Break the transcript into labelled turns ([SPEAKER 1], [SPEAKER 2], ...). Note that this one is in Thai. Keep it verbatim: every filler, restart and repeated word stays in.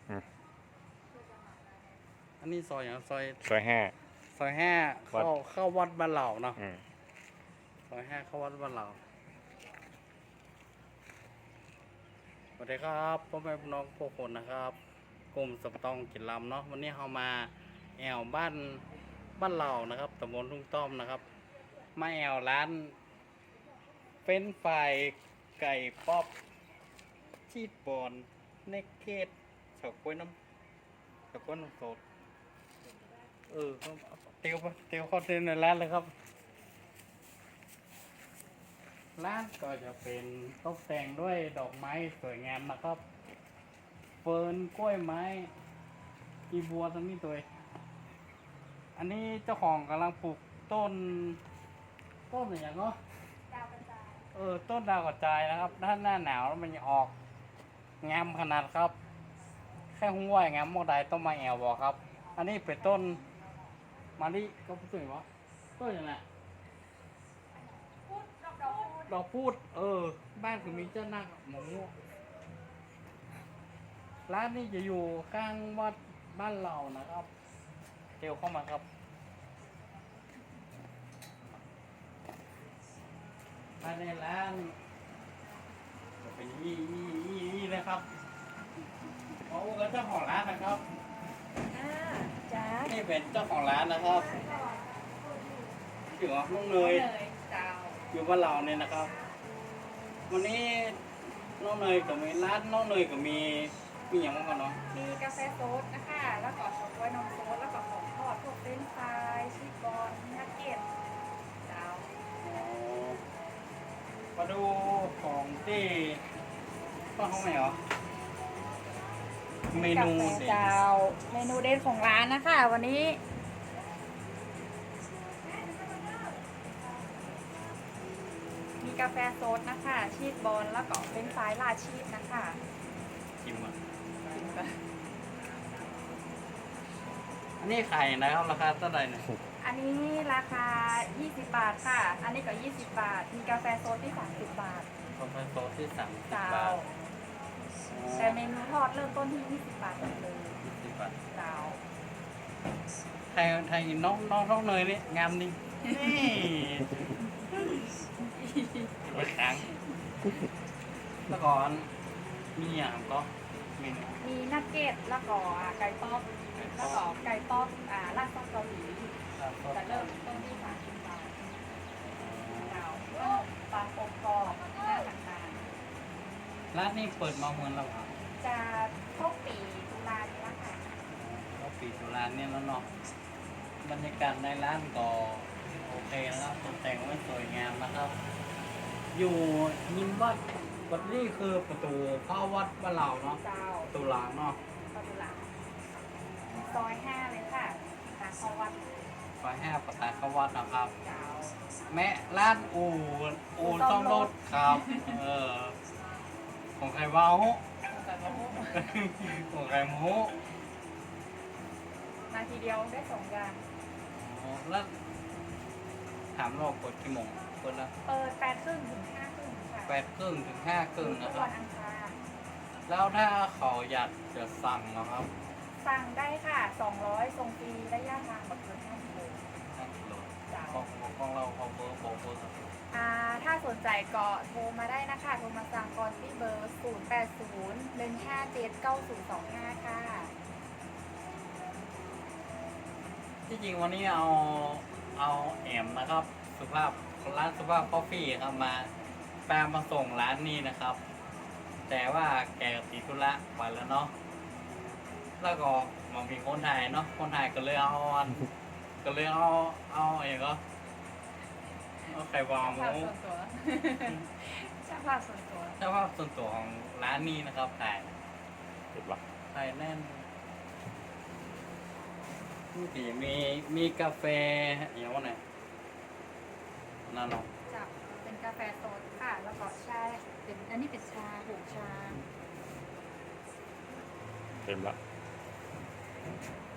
[SPEAKER 1] อืม
[SPEAKER 2] อันนี้ซอยอย่างซอย
[SPEAKER 1] ซอยห้า
[SPEAKER 2] ซอยห้า
[SPEAKER 1] วัด
[SPEAKER 2] เข้าเข้าวัดบ้านเหล่าเนาะ
[SPEAKER 1] อืม
[SPEAKER 2] ซอยห้าเข้าวัดบ้านเหล่าสวัสดีครับพ่อแม่พี่น้องพวกคนนะครับกลุ่มสมตองกินลำเนาะวันนี้เรามาแอวบ้านบ้านเหล่านะครับตำบลทุ่งต้อมนะครับมาแอวร้านเฟรนช์ฟรายไก่ป๊อปชีสบอลเนกเก็ตเฉาก๊วยน้ำเฉาก๊วยน้ำสดเออเตียวเตียวเข้าเต็มในร้านเลยครับร้านก็จะเป็นตกแต่งด้วยดอกไม้สวยงามนะครับเฟิร์นกล้วยไม้กีบัวทั้งนี้ตัวอันนี้เจ้าของกำลังปลูกต้นต้นอะไรอย่างเนาะ
[SPEAKER 3] ดาวกระจาย
[SPEAKER 2] เออต้นดาวกระจายนะครับด้านหน้าหนาวแล้วมันจะออกงามขนาดครับ แค่ห้วยงามโมได้ต้องมาแอวบอกครับ อันนี้เป็นต้นมะลิก็พูดถึงว่าต้นอย่างไร
[SPEAKER 3] พูดดอกดอกพูด
[SPEAKER 2] ดอกพูด เออ บ้านคือมีเจ้านาคหมงม่วงร้านนี้จะอยู่ข้างวัดบ้านเรานะครับเดี๋ยวเข้ามาครับภายในร้านจะเป็นยี่ยี่ยี่ยี่นะครับโอ้ก็เจ้าของร้านนะครับ
[SPEAKER 3] อ่าจ้า
[SPEAKER 2] นี่เป็นเจ้าของร้านนะครับอยู่กับน้องเนย
[SPEAKER 3] เจ้า
[SPEAKER 2] อยู่บ้านเราเนี่ยนะครับ วันนี้น้องเนยกับมีร้านน้องเนยกับมีมีอย่างบ้างกันเนาะ
[SPEAKER 3] มีกาแฟโซดนะคะ แล้วก็ช็อกโกแลตนมโซดแล้วก็ของทอดพวกเฟรนช์ฟรายชีสบอลนักเก็ตเจ้า
[SPEAKER 2] อ๋อมาดูของที่ป้าห้องไหนเหรอเมนู
[SPEAKER 3] กาแฟ
[SPEAKER 2] เด็ด
[SPEAKER 3] เจ้า เมนูเด็ดของร้านนะคะ วันนี้ มีกาแฟโซดนะคะ ชีสบอลแล้วก็เฟรนช์ฟรายราดชีสนะคะ
[SPEAKER 2] ชิมอ่ะ
[SPEAKER 3] ชิมกัน
[SPEAKER 2] อันนี้ไข่นะครับราคาเท่าไหร่เนี่ย
[SPEAKER 3] อันนี้ราคา ยี่สิบบาทค่ะ อันนี้ก็ ยี่สิบบาท มีกาแฟโซดที่ สามสิบบาท
[SPEAKER 2] คอมเพรสโซที่สามสิบ
[SPEAKER 3] เจ้า
[SPEAKER 2] บาท
[SPEAKER 3] แต่เมนูทอดเริ่มต้นที่ ยี่สิบบาทหมดเลย
[SPEAKER 2] ยี่สิบบาท
[SPEAKER 3] เจ้า
[SPEAKER 2] ไทยไทยน้องน้องน้องเนยนี่งามนี่นี่ไปค้างแล้วก่อนมีอย่างก็เมนู
[SPEAKER 3] มีนักเก็ตแล้วก็ไก่ป๊อปแล้วก็ไก่ป๊อปอ่าราดซอสเกาหลีจะเริ่มต้นที่สามสิบบาทเจ้าปลาโปกกรอบหน้าต่าง
[SPEAKER 2] ร้านนี้เปิดมาเมื่อเราครับ
[SPEAKER 3] ๆจะครบปีตุลานี้ละค่ะ
[SPEAKER 2] เราปีตุลาเนี่ยแล้วเนาะบรรยากาศในร้านก็โอเคนะครับตกแต่งไว้สวยงามนะครับ อยู่ยิมวัดวัดนี้คือประตูเข้าวัดบ้านเราเนาะ
[SPEAKER 3] เจ้า
[SPEAKER 2] ประตูหลังเนาะ
[SPEAKER 3] ประตูหลังซอยห้าเลยค่ะทางเข้าวัด
[SPEAKER 2] ซอยห้าประตูเข้าวัดนะครับ
[SPEAKER 3] เจ้า
[SPEAKER 2] แม่ร้านอู่อู่ซ่อมรถครับ เออ ของใครเว้า
[SPEAKER 3] แต่ละมุก
[SPEAKER 2] ของใครโม้
[SPEAKER 3] นาทีเดียวได้สองอย่าง
[SPEAKER 2] อ๋อแล้วถามเราเปิดกี่โมงเปิดแล้ว
[SPEAKER 3] เปิดแปดครึ่งถึงห้าครึ่งค่ะ
[SPEAKER 2] แปดครึ่งถึงห้าครึ่ง
[SPEAKER 3] ทุ
[SPEAKER 2] นะ
[SPEAKER 3] ก
[SPEAKER 2] ครั
[SPEAKER 3] วั
[SPEAKER 2] บ
[SPEAKER 3] นอังคาร
[SPEAKER 2] แล้วถ้าเขาอยากจะสั่งนะครับ
[SPEAKER 3] สั่งได้ค่ะสองร้อยส่งฟรีระยะทางแบบเกินห้ากิโล
[SPEAKER 2] ห้ากิโล
[SPEAKER 3] จ้า
[SPEAKER 2] ของของเราของเบอร์ของเบอร์
[SPEAKER 3] อ่าถ้าสนใจก็โทรมาได้นะคะ โทรมาสั่งก่อนที่เบอร์ ศูนย์ แปด ศูนย์ หนึ่ง ห้า เจ็ด เก้า ศูนย์ สอง ห้า ค่ะ
[SPEAKER 2] ที่จริงวันนี้เอาเอาแอมนะครับ สุภาพร้านสุภาพคอฟฟี่ครับมาแปลมาส่งร้านนี้นะครับ แต่ว่าแกติดธุระไปแล้วเนาะแล้วก็มันมีคนไทยเนาะคนไทยก็เลยเอาอันก็เลยเอาเอาเองก็เอาไข่วางห
[SPEAKER 3] ภาพ
[SPEAKER 2] มู
[SPEAKER 3] ส่วนตัว ช่างภาพส่วนตัว
[SPEAKER 2] เจ้าภาพส่วนตัวของร้านนี้นะครับถ่าย
[SPEAKER 1] เห็นปะ
[SPEAKER 2] ถ่ายแน่นนี่สิมีมีกาแฟอย่างว่าไงนั่นเนาะ
[SPEAKER 3] จับเป็นกาแฟสดค่ะ แล้วก็ชาเป็นอันนี้เป็นชาหูชา
[SPEAKER 1] เต็มละ
[SPEAKER 2] อ